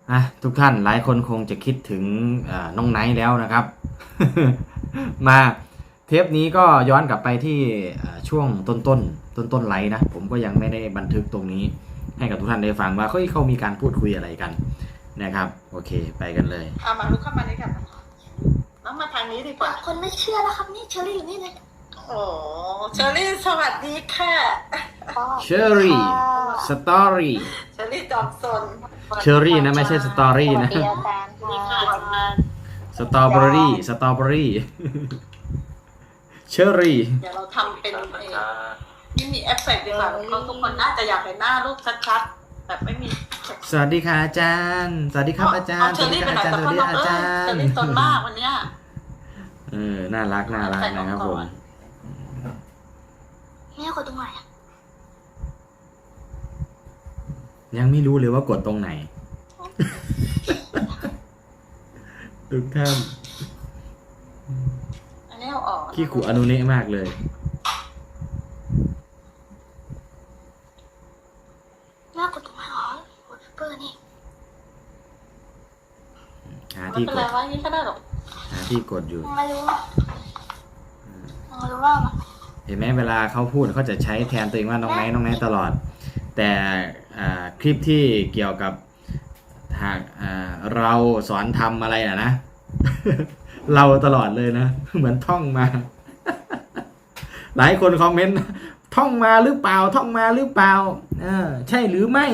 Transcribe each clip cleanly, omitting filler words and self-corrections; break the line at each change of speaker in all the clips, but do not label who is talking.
ทุกท่านหลายคนคงจะคิดถึงน้องไนท์แล้วนะครับ มาเทปนี้ก็ย้อนกลับไปที่ช่วงต้นไลฟ์นะผมก็ยังไม่ได้บันทึกตรงนี้ให้กับทุกท่านได้ฟังว่าเขามีการพูดคุยอะไรกันนะครับโอเคไปกันเลย
มาลุกเข้ามาเลยค่ะน้องมาทางนี้ดีกว่า
คนไม่เชื่อแล้วครับนี่เชอรี่อยู่นี่เลย
โอ้เชอรี่สวัสดีค่ะ
เชอรี่สตอรี่
เชอรี่จอมซน
เชอรี่นะไม่ใช่สตอรี่นะสตรอเบอรี่เชอรี่
เดี๋ยวเราทำเป็นนี่มีเอฟเฟกต์ดีกว่าเขาทุกคนน่าจะอยากเห็นหน้าลูกชัดๆแบบไม่มี
สวัสดีค่ะอาจารย์สวัสดีครับอาจารย์
สวัสดีครับอาจารย์สวัสดีอาจารย์เชอรี่ซนมากวันนี้
น่ารักนะครับผม
แม่กดตรงไหน
ยังไม่รู้เลยว่ากดตรงไหนทุกท่าน
อันนี้เอาออก
ขี้ขู่อนุเนะมากเลย
แม่กดตรงไหนกดเปิดนี่
หาที่กด
ว่านี่ก็ได้หรอ
หาที่กดอยู่
ไม่รู้ว่า
เห็นไหมเวลาเขาพูดเขาจะใช้แทนตัวเองว่าน้องไนท์ตลอดแต่คลิปที่เกี่ยวกับหากเราสอนทำอะไรนะเราตลอดเลยนะเหมือนท่องมา หลายคนคอมเมนต์ท่องมาหรือเปล่าใช่หรือไม่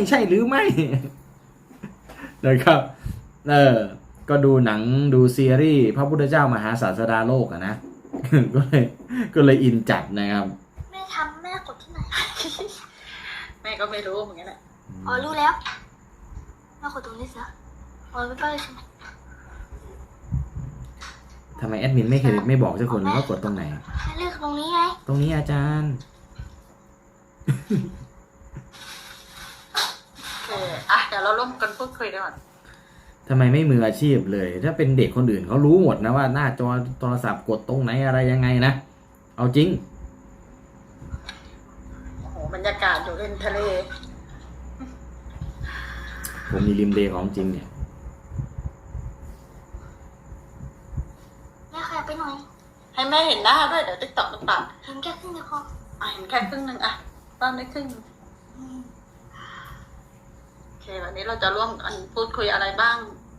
นะครับก็ดูหนังดูซีรีส์พระพุทธเจ้ามหาศาสดาโลกนะ ก็เลยอินจัดนะครับ
แม่กดที่ไหน
แม่ก็ไม่รู้เหมือนกันแหละ
รู้แล้วแม่กดตรงนี้สิไม่ไปใช่ไหม
ทำไมแอดมินไม่บอกเจ้าคนว่ากดตรงไหน
เลือกตรงนี้ไง
ตรงนี้อาจารย์
เดี๋ยวเราร่วมกันพูดคุยก่อน
ทำไมไม่มืออาชีพเลยถ้าเป็นเด็กคนอื่นเขารู้หมดนะว่าหน้าจอโทรศัพท์กดตรงไหนอะไรยังไงนะเอาจริง
โอ้โหบรรยากาศอยู่ริมทะเล
ผมมีริมทะเลของจริงเนี่ย
แม่ขยับไปหน่อย
ให้แม่เห็นหน้าด้วยเดี๋ยวติ๊กต็อกตัด
เห็นแค่ครึ่งเดียวพอ
เห็นแค่ครึ่งนึงตอนนี้ครึ่งโอเควันนี้เราจะร่วมกันพูดคุยอะไรบ้าง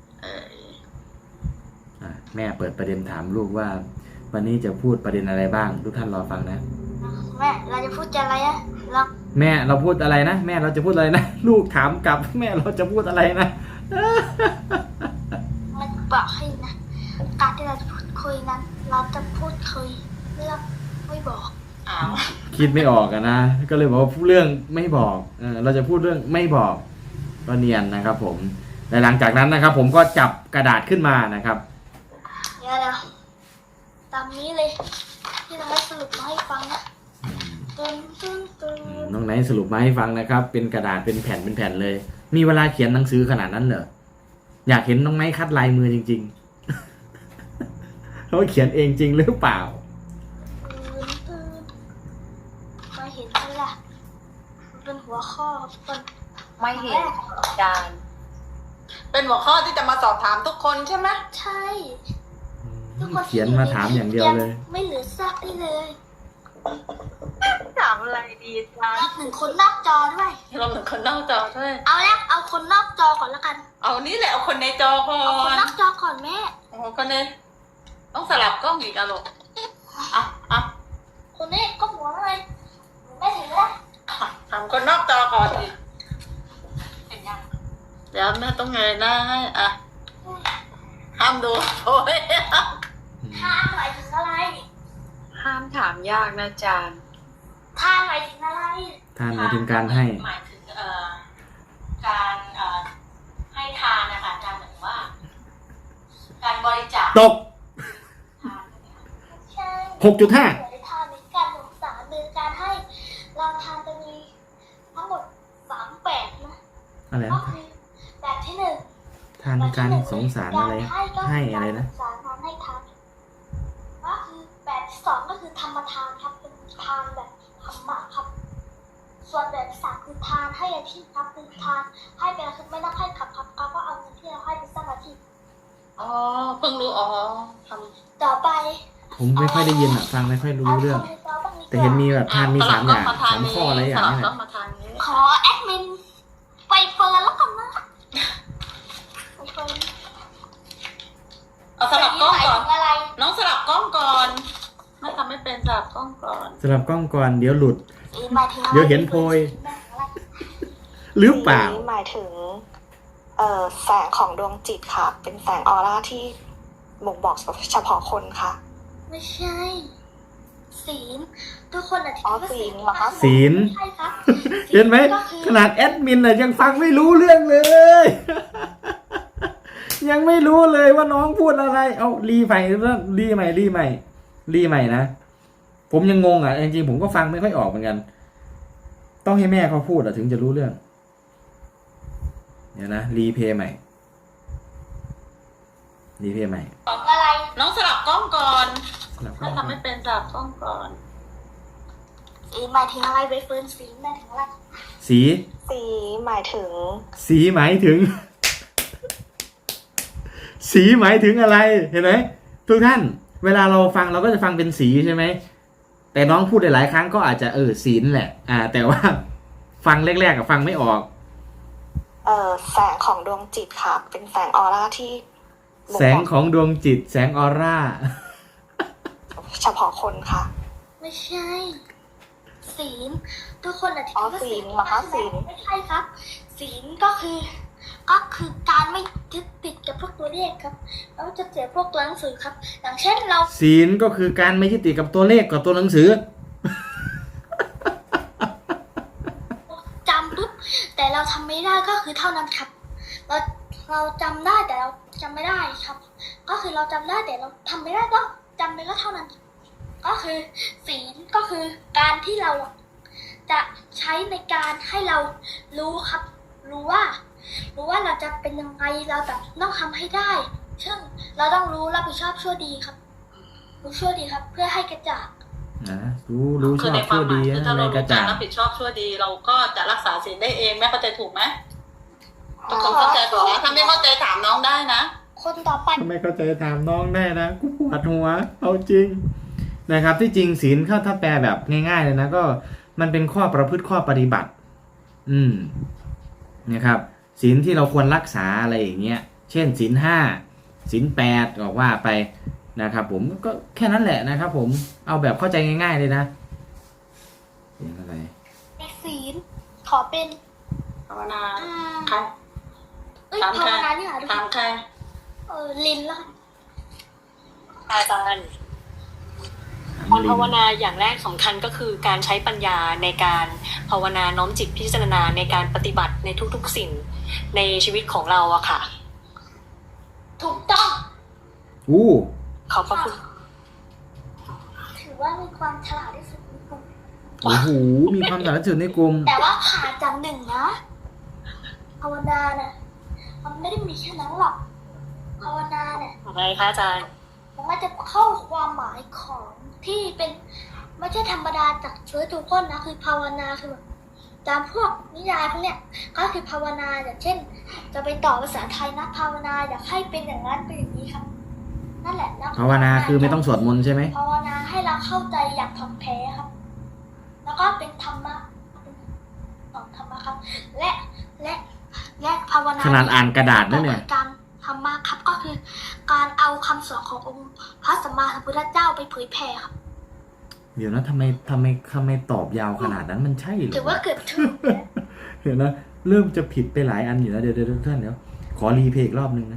แม่เปิดประเด็นถามลูกว่าวันนี้จะพูดประเด็นอะไรบ้างทุกท่านรอฟังนะ
แม่เราจะพูดอะไร
แม่เราพูดอะไรนะแม่เราจะพูดอะไรนะลูกถามกลับแม่เราจะพูดอะไรนะ
มันบอกให้นะการที่เราจะพูดคุยนั้นเราจะพูดคุยเรื่องไม่บอก
คิดไม่ออกนะก็เลยบอกว่าเรื่องไม่บอกเราจะพูดเรื่องไม่บอกก็เนียนนะครับผมและหลังจากนั้นนะครับผมก็จับกระดาษขึ้นมานะครับ
เดี๋ยวตามนี้เลยที่เราให้สรุปมาให้ฟังนะ
น้องไนท์สรุปมาให้ฟังนะครับเป็นกระดาษเป็นแผ่นเลยมีเวลาเขียนหนังสือขนาดนั้นเหรออยากเห็นน้องไนท์คัดลายมือจริงๆเขาเขียนเองจริงหรือเปล่า
ไม่เห็นเลยล่ะเป็นหัวข้อเป็น
ไม่เห็นอาจารย์เป็นหัวข้อที่จะมาสอบถามทุกคนใช่ไหม
ใช่
ทุกคนเขียนมาถามอย่างเดียวเลย
ไม่เหลือซักได้เลย
ถามอะไรดีจ๊ะ
หนึ่งคนนอกจอด้วย
เราหนึ่งคนนอกจอด้วย
เอาคนนอกจอก่อนแล้วกัน
เอานี่แหละเอาคนในจอก่อน
เอาคนนอกจอก่อนแม่
โอ้คนในต้องสลับกล้องอีกอะลูก
คนนี้ก็หัวอะไรไม่เห็นแล้ว
ถามคนนอกจอก่อนดิเห็นยังเดี๋ยวแม่ต้องเงยหน้าให้ห้ามดูโอ้ย
ห้ามหมายถึงอะไร
ห้ามถามยากนะอาจารย์
ท่านหมายถึงอะไร
ท่านหมายถึงการให้
หมายถึงการให้ทานนะคะอาจารย์หมายถึงว่าการบริจาค
ตก6.5
ทานในการสงสารหรือการให้เราทานจะมีทั้งหมด3แบบนะ
อะไร
ก็คือแบบที่1
ทานการสงสารอะไรให้อะไรนะ
สารทานให้ทานก็คือแบบที่2ก็คือธรรมทานครับเป็นทานแบบธรรมะครับส่วนแบบที่3คือทานให้อาชีพครับคือทานให้เป็นคือไม่ต้องให้ขับก็เอาเงินที่
อ๋อเพิ่งรู้อ๋อท
ต่อไป
ผมไม่ค่อยได้ยินอ่ะ ฟังไม่ค่อยรู้เรื่อง
าคำต่อบ้างดีกว่า
แต่เห็นมีแบบ
ำ
ทานมี
สลับ
3 อย่าง
กล้มาท
3 ข้ออะไรอย่าง
สลับ
เนี้
กล้องมาทางนี้
ขอแอดมินไปเฟิร์นแล้วกันนะไปเฟิร์น
เอาสลับกล้องก่อน
หมายถึอะไร
น้องสลับกล้องก่อนไม่ทำไม่เป็นสลับกล้องก่อน
สลับกล้องก่อนเดี๋ยวหลุด
สีหมายถึงอะไร
เดี๋ยวเห็นโพย หรือเปล่า
สีหมายถึงแสงของดวงจิตค่ะ เป็นแสงออร่าที่บ่งบอกเฉพาะคนค่ะ
ไม่ใช่ศีลทุกคนอธิบายว่า
ศีลเหรอคะ
ศีล
ใช่ครับ
เห็นไหม
ก็คือ
ขนาดแอดมินน่ะยังฟังไม่รู้เรื่องเลย ยังไม่รู้เลยว่าน้องพูดอะไร เอารีใหม่รีใหม่รีใหม่รีใหม่นะ ผมยังงงอ่ะจริงๆผมก็ฟังไม่ค่อยออกเหมือนกัน ต้องให้แม่เขาพูดอ่ะถึงจะรู้เรื่อง เดี๋ยวนะรีเพย์ใหม่รีเพย์ใหม่
อะไร
น้องสลับกล้องก่อน
สลับกล้
ไม่
อง
ทำไม่เป็นสลับกล้องก่อน
ศีลหมายถึงอะไรไปเฟิร์นศีลหมายถึงอะไร
สี
สีหมายถึง
สีหมายถึง สีหมายถึงอะไร เห็นไหมทุกท่าน เวลาเราฟังเราก็จะฟังเป็นสีใช่ไหม แต่น้องพูดหลายๆครั้งก็อาจจะศีลแหละ แต่ว่า ฟังแรกๆกับฟังไม่ออก
แสงของดวงจิตค่ะ เป็นแสงออร่าที่บ่
แสงของดวงจิต แสงออร่า
บอกเฉพาะคนค่ะ
ไม่ใช่ศีลทุกคนอธิบายว่า
ศีลเหรอคะศีล
ไม่ใช่ครับ ศีลก็คือการไม่ยึดติดกับพวกตัวเลขครับแล้วจะเสียพวกตัวหนังสือครับ อย่างเช่นเรา
ศีลก็คือการไม่ยึดติดกับตัวเลขกับตัวหนังสือ
จำปุ๊บแต่เราทำไม่ได้ก็คือเท่านั้นครับ เราจำได้แต่เราจำไม่ได้ครับ ก็คือเราจำได้แต่เราทำไม่ได้ก็จำไปก็เท่านั้น ก็คือศีลก็คือการที่เราจะใช้ในการให้เรารู้ครับ รู้ว่าเราจะเป็นยังไงเราจะต้องทำให้ได้ซึ่งเราต้องรู้รับผิดชอบชั่วดีครับรู้ชั่วดีครับ เพื่อให้กระจ่าง
นะรู้ช
คือ
อบ
ในควา
ชั่
ม
ว
หมา
ดี
ยคือถ้า
อะไร
เรา
กระ
รู้จั
จ่าก ง
รับผิดชอบชั่วดี เราก็จะรักษาศีลได้เองแม่เข้าใจถูกไหมทุกคนเข้าใจถูกไหมถ้าไม่เข้าใจถามน้องได้นะ
คนต่อไป
ทำไมเข้าใจถามน้องได้นะกูปวดหัวเอาจริงนะครับที่จริงศีลถ้าแปลแบบง่ายๆเลยนะก็มันเป็นข้อประพฤติข้อปฏิบัติ นะครับศีลที่เราควรรักษาอะไรอย่างเงี้ยเช่นศีล5ศีล8ก็ว่าไปนะครับผมก็แค่นั้นแหละนะครับผมเอาแบบเข้าใจง่ายๆเลยนะเสียงอะไร
ในศีลขอเป็น
ภาวนา
อ่า
ใคร ถาม
ภา
ใคร
วนานี่หาดู
ถามใคร
ลินแล้วกัน
อาจารย์การภาวนาอย่างแรกสำคัญก็คือการใช้ปัญญาในการภาวนาน้อมจิตพิจารณาในการปฏิบัติในทุกๆสิ่งในชีวิตของเราอะค่ะ
ถูกต้อง
อู้
ขอบพระคุณ
ถือว่ามีความฉลาดที่สุดในกลุ่ม
โอ้โหมีความสามารถสุดในกลุ่ม
แต่ว่าขาดจากหนึ่งนะภาวนาเนี่ยมันไม่ได้มีแค่นั้นหรอกภาวนาเนี่ย
อะไรคะอาจารย์
มันก็จะเข้าความหมายของที่เป็นไม่ใช่ธรรมดาจากเชื้อทุกคนนะคือภาวนาคือแบบตามพวกนิยายพวกเนี้ยก็คือภาวนาอย่างเช่น จะไปต่อภาษาไทยนะภาวนาอยากให้เป็นอย่างนั้นเป็นอย่างนี้ครับ นั่นแหละนะ
ภาวนาคือไม่ต้องสวดมนต์ใช่ไหม
ภาวนาให้เราเข้าใจอย่างถ่องแท้ครับ แล้วก็เป็นธรรมะของธรรมะครับ และภาวนา
ขนาดอ่านกระดาษนั่นเนี่ย
การธรรมะครับก็คือ การเอาคำสอนขององค์พระสัมมาสัมพุทธเจ้าไปเผยแผ่ครับ
เดี๋ยวนะทำไมตอบยาวขนาดนั้นมันใช่เหรอ
ถือว่าเกือบถูกนะ
เดี๋ยวนะเริ่มจะผิดไปหลายอันอยู่แล้วเดี๋ยวทุกท่านเดี๋ยวขอรีเพลย์อีกรอบนึงนะ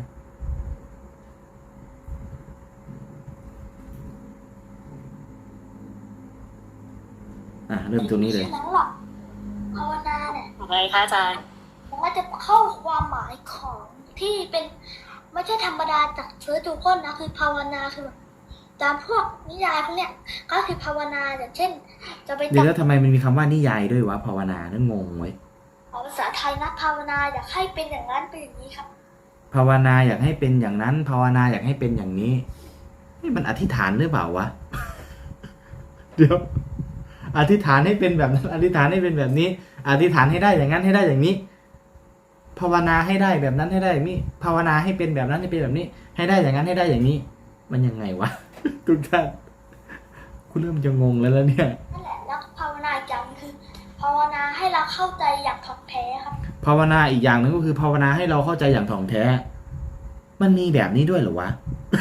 เริ่มตรงนี้เลย
ไม่ใช่นั้นหรอกภาวนาเนี่ย
อะไรคะอาจารย์
มันก็จะเข้าความหมายของที่เป็นไม่ใช่ธรรมดาจากเชื้อทุกคนนะคือภาวนาคือแบบตามพวกนิยายพวกเนี้ยก็คือภาวนาอย่างเช่น จะไป
เดี๋ยว
ต่อ
แล้วทำไมมันมีคำว่านิยายด้วยวะภาวนานั่นงงไว้ย
ภาษาไทยนะภาวนาอยากให้เป็นอย่างนั้นเป็นอย่างนี้ครับ
ภาวนาอยากให้เป็นอย่างนั้น ภาวนาอยากให้เป็นอย่างนี้นี่มันอธิษฐานหรือเปล่าวะ เดี๋ยวอธิษฐานให้เป็นแบบนั้นอธิษฐานให้เป็นแบบนี้ อธิษฐานให้ได้อย่างนั้นให้ได้อย่างนี้ภาวนาให้ได้แบบนั้นให้ได้นี่ภาวนาให้เป็นแบบนั้นให้เป็นแบบนี้ ให้ได้อย่างนั้นให้ได้อย่างนี้ มันยังไงวะ ทุกท่านคุณเริ่มจะงงแล้วเนี่ย
นั่นแหละแล้วภาวนาอีกอย่างคือ ภาวนาให้เราเข้าใจอย่างถ่องแท้ครับ
ภาวนาอีกอย่างหนึ่งก็คือภาวนาให้เราเข้าใจอย่างถ่องแท้ มันมีแบบนี้ด้วยเหรอวะ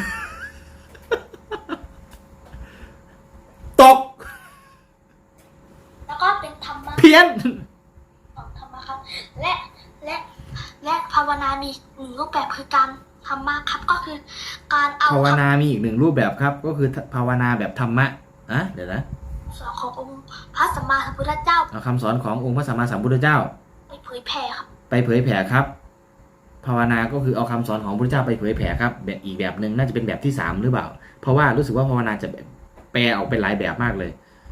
ตก
แล้วก็เป็นธรรมะ
เพี้ยน
ของธรรมะครับ และภาวนามีหนึ่งรูปแบบคือการธรรมะครับ ก็คือการเอา
ภาว
คำ
นามีอีกหนึ่งรูปแบบครับ ก็คือภาวนาแบบธรรมะอ่ะเดี๋ยวนะ
สอนขององค์พระสัมมาสัมพุทธเจ้า
เอาคำสอนขององค์พระสัมมาสัมพุทธเจ้า
ไปเผยแผ่ครับ
ไปเผยแผ่ครับ ภาวนาก็คือเอาคำสอนของพระพุทธเจ้าไปเผยแผ่ครับแบบอีกแบบหนึ่งน่าจะเป็นแบบที่ 3หรือเปล่า เพราะว่ารู้สึกว่าภาวนาจะแปลออกเป็นหลายแบบมากเลย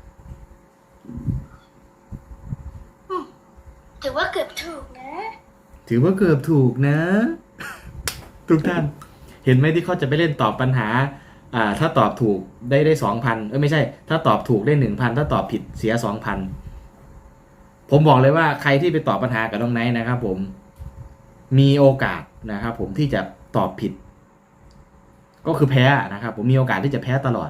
ถือว่าเกือบถูกนะ
ถือว่าเกือบถูกนะ ทุกท่าน เห็นไหมที่เขาจะไปเล่นตอบปัญหาถ้าตอบถูกได้ 2,000ไม่ใช่ ถ้าตอบถูกได้ 1,000ถ้าตอบผิดเสีย 2,000ผมบอกเลยว่าใครที่ไปตอบปัญหากับน้องไนท์นะครับผมมีโอกาสนะครับผมที่จะตอบผิด ก็คือแพ้นะครับผมมีโอกาสที่จะแพ้ตลอด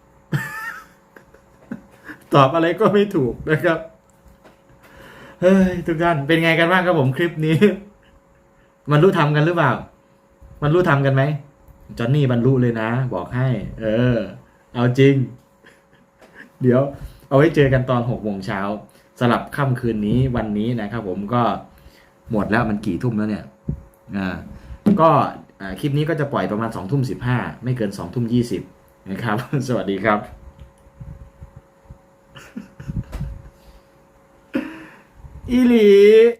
ตอบอะไรก็ไม่ถูกนะครับเฮ้ยทุกท่านเป็นไงกันบ้างครับผมคลิปนี้ มันรู้ทำกันหรือเปล่า มันรู้ทำกันไหมจอนนี่บรรลุเลยนะ บอกให้ เอาจริง เดี๋ยวเอาไว้เจอกันตอน6 โมงเช้าสลับค่ำคืนนี้วันนี้นะครับผมก็หมดแล้วมันกี่ทุ่มแล้วเนี่ยก็คลิปนี้ก็จะปล่อยประมาณ20:15ไม่เกิน20:20นะครับ สวัสดีครับ อีหลี